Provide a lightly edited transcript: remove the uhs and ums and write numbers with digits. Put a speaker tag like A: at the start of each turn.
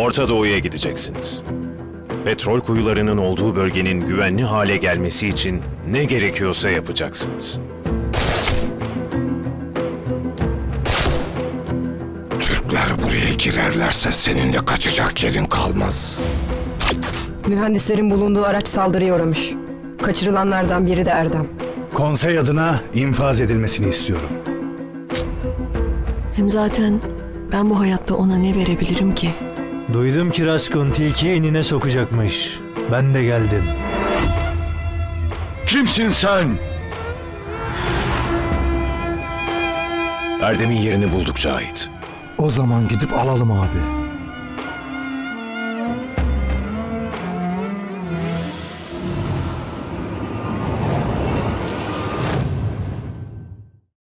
A: Orta Doğu'ya gideceksiniz. Petrol kuyularının olduğu bölgenin güvenli hale gelmesi için ne gerekiyorsa yapacaksınız.
B: Türkler buraya girerlerse seninle kaçacak yerin kalmaz.
C: Mühendislerin bulunduğu araç saldırıya uğramış. Kaçırılanlardan biri de Erdem.
D: Konsey adına infaz edilmesini istiyorum.
E: Hem zaten ben bu hayatta ona ne verebilirim ki?
F: Duydum ki Raskun tilki enine sokacakmış. Ben de geldim.
B: Kimsin sen?
A: Erdem'in yerini bulduk Cahit.
G: O zaman gidip alalım abi.